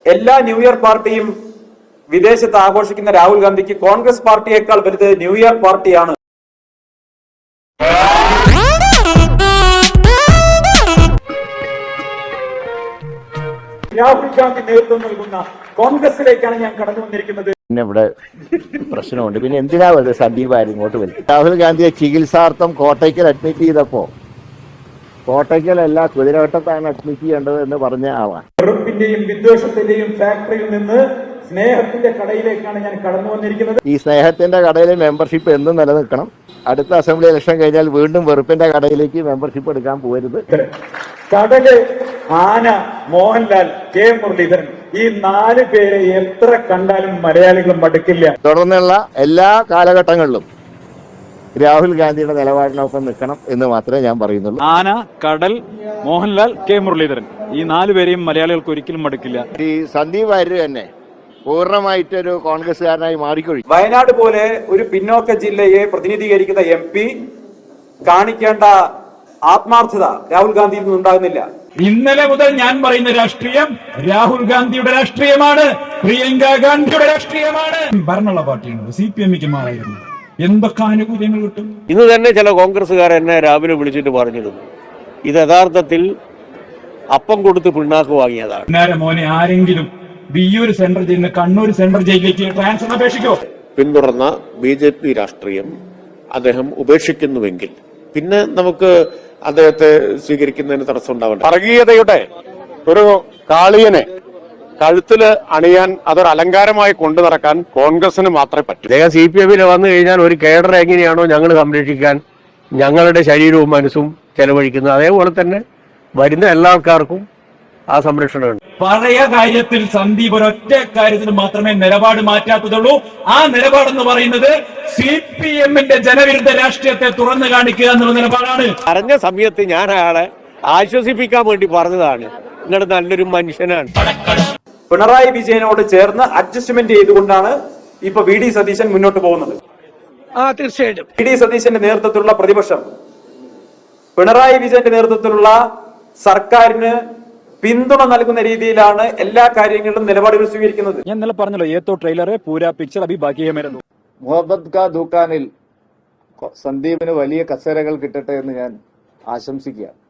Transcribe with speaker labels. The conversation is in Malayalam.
Speaker 1: എല്ലാ ന്യൂ ഇയർ പാർട്ടിയും വിദേശത്ത് ആഘോഷിക്കുന്ന രാഹുൽ ഗാന്ധിക്ക് കോൺഗ്രസ് പാർട്ടിയേക്കാൾ വലുത് ന്യൂ ഇയർ പാർട്ടിയാണ്. രാഹുൽ ഗാന്ധി നേതൃത്വം നൽകുന്ന കോൺഗ്രസിലേക്കാണ് ഞാൻ കടന്നു വന്നിരിക്കുന്നത്.
Speaker 2: പിന്നെ ഇവിടെ പ്രശ്നമുണ്ട്. പിന്നെ എന്തിനാ വെറുതെ സന്ദീപ് ആര് ഇങ്ങോട്ട് വരും? രാഹുൽ ഗാന്ധിയെ ചികിത്സാർത്ഥം കോട്ടയ്ക്കൽ അഡ്മിറ്റ് ചെയ്തപ്പോ കോട്ടയ്ക്കലല്ല കുതിരവട്ടത്താണ് അഡ്മിറ്റ് ചെയ്യേണ്ടത് എന്ന് പറഞ്ഞ ആളാണ്.
Speaker 1: വെറുപ്പിന്റെയും വിദ്വേഷത്തിന്റെയും ഫാക്ടറിയിൽ നിന്ന് സ്നേഹത്തിന്റെ കടയിലേക്കാണ് ഞാൻ കടന്നു വന്നിരിക്കുന്നത്.
Speaker 2: ഈ സ്നേഹത്തിന്റെ കടയിലെ മെമ്പർഷിപ്പ് എന്നും നിലനിൽക്കണം. അടുത്ത അസംബ്ലി ഇലക്ഷൻ കഴിഞ്ഞാൽ വീണ്ടും വെറുപ്പിന്റെ കടയിലേക്ക് മെമ്പർഷിപ്പ് എടുക്കാൻ പോകരുത്.
Speaker 1: കടല്, ആന, മോഹൻലാൽ, കെ മുരളീധരൻ, ഈ 4 പേരെ എത്ര കണ്ടാലും മലയാളികൾ മടുക്കില്ല.
Speaker 2: തുടർന്നുള്ള എല്ലാ കാലഘട്ടങ്ങളിലും രാഹുൽ ഗാന്ധിയുടെ നിലപാടിനൊപ്പം നിൽക്കണം എന്ന് മാത്രമേ ഞാൻ പറയുന്നുള്ളൂ.
Speaker 3: ആന, കടൽ, മോഹൻലാൽ, കെ മുരളീധരൻ, ഈ 4 പേരെയും മലയാളികൾക്ക് ഒരിക്കലും മടുക്കില്ല.
Speaker 2: ഈ സന്ദീപ് വാര്യർ തന്നെ പൂർണ്ണമായിട്ടൊരു കോൺഗ്രസ്സുകാരനായി മാറിക്കൊഴി.
Speaker 1: വയനാട് പോലെ ഒരു പിന്നോക്ക ജില്ലയെ പ്രതിനിധീകരിക്കുന്ന MP കാണിക്കേണ്ട ആത്മാർത്ഥത രാഹുൽ ഗാന്ധിയിൽ നിന്നുണ്ടാകുന്നില്ല.
Speaker 4: ഇന്നലെ മുതൽ ഞാൻ പറയുന്ന രാഷ്ട്രീയം രാഹുൽ ഗാന്ധിയുടെ രാഷ്ട്രീയമാണ്, പ്രിയങ്ക ഗാന്ധിയുടെ രാഷ്ട്രീയമാണ്. ഭരണമുള്ള പാർട്ടിയാണ്. CPM-ക്ക് മാറായിരുന്നു എന്തൊക്കെ ആനുകൂല്യങ്ങൾ കിട്ടും.
Speaker 5: ഇന്ന് തന്നെ ചില കോൺഗ്രസ്സുകാർ എന്നെ രാവിലെ വിളിച്ചിട്ട് പറഞ്ഞിരുന്നു, ഇത് യഥാർത്ഥത്തിൽ അപ്പം കൊടുത്ത് പിണ്ണാക്ക് വാങ്ങിയതാണ്.
Speaker 4: നേരെ മോനെ, ആരെങ്കിലും വിയ്യൂർ സെൻട്രൽ ജയിലിൽ നിന്ന് കണ്ണൂർ സെൻട്രൽ ജയിലിലേക്ക് ട്രാൻസ്ഫർ അപേക്ഷിക്കോ?
Speaker 5: പിന്തുടർന്ന BJP രാഷ്ട്രീയം അദ്ദേഹം ഉപേക്ഷിക്കുന്നുവെങ്കിൽ പിന്നെ നമുക്ക് അദ്ദേഹത്തെ സ്വീകരിക്കുന്നതിന് തടസ്സം ഉണ്ടാവണ്ട.
Speaker 6: വർഗീയതയുടെ ഒരു കാളിയനെ കഴുത്തില് അണിയാൻ അതൊരു അലങ്കാരമായി കൊണ്ടു നടക്കാൻ കോൺഗ്രസിന് മാത്രമേ പറ്റൂ.
Speaker 5: അദ്ദേഹം CPM-ൽ വന്നു കഴിഞ്ഞാൽ ഒരു കേഡർ എങ്ങനെയാണോ ഞങ്ങൾ സംരക്ഷിക്കാൻ ഞങ്ങളുടെ ശരീരവും മനസ്സും ചെലവഴിക്കുന്നത്, അതേപോലെ തന്നെ വരുന്ന എല്ലാ ആൾക്കാർക്കും ആ സംരക്ഷണമുണ്ട്.
Speaker 4: പഴയ കാര്യത്തിൽ സന്ദീപ് ഒരൊറ്റ കാര്യത്തിൽ മാത്രമേ നിലപാട് മാറ്റാത്തതുള്ളൂ. ആ നിലപാടെന്ന് പറയുന്നത് CPM-ന്റെ ജനവിരുദ്ധ രാഷ്ട്രീയത്തെ തുറന്നു കാണിക്കുക എന്നുള്ള നിലപാടാണ്.
Speaker 5: പറഞ്ഞ സമയത്ത് ഞാൻ അയാളെ ആശ്വസിപ്പിക്കാൻ വേണ്ടി പറഞ്ഞതാണ്, നിങ്ങൾ നല്ലൊരു മനുഷ്യനാണ്.
Speaker 1: പിണറായി വിജയനോട് ചേർന്ന് അഡ്ജസ്റ്റ്മെന്റ് ചെയ്തുകൊണ്ടാണ് ഇപ്പൊ VD സതീശൻ മുന്നോട്ട് പോകുന്നത്.
Speaker 5: തീർച്ചയായിട്ടും
Speaker 1: VD സതീശന്റെ നേതൃത്വത്തിലുള്ള പ്രതിപക്ഷം പിണറായി വിജയന്റെ നേതൃത്വത്തിലുള്ള സർക്കാരിന് പിന്തുണ നൽകുന്ന രീതിയിലാണ് എല്ലാ കാര്യങ്ങളിലും നിലപാടുകൾ സ്വീകരിക്കുന്നത്.
Speaker 3: ഞാൻ ഇന്നലെ പറഞ്ഞല്ലോ, ഏത്തോ ട്രെയിലറെ പൂരാ പിക്ചർ അഭി ബാക്കി ഹൈ മേരെ.
Speaker 2: മുഹമ്മദ് ഖാൻ ദുക്കാനിൽ സന്ദീപിന് വലിയ കസേരകൾ കിട്ടട്ടെ എന്ന് ഞാൻ ആശംസിക്കുക.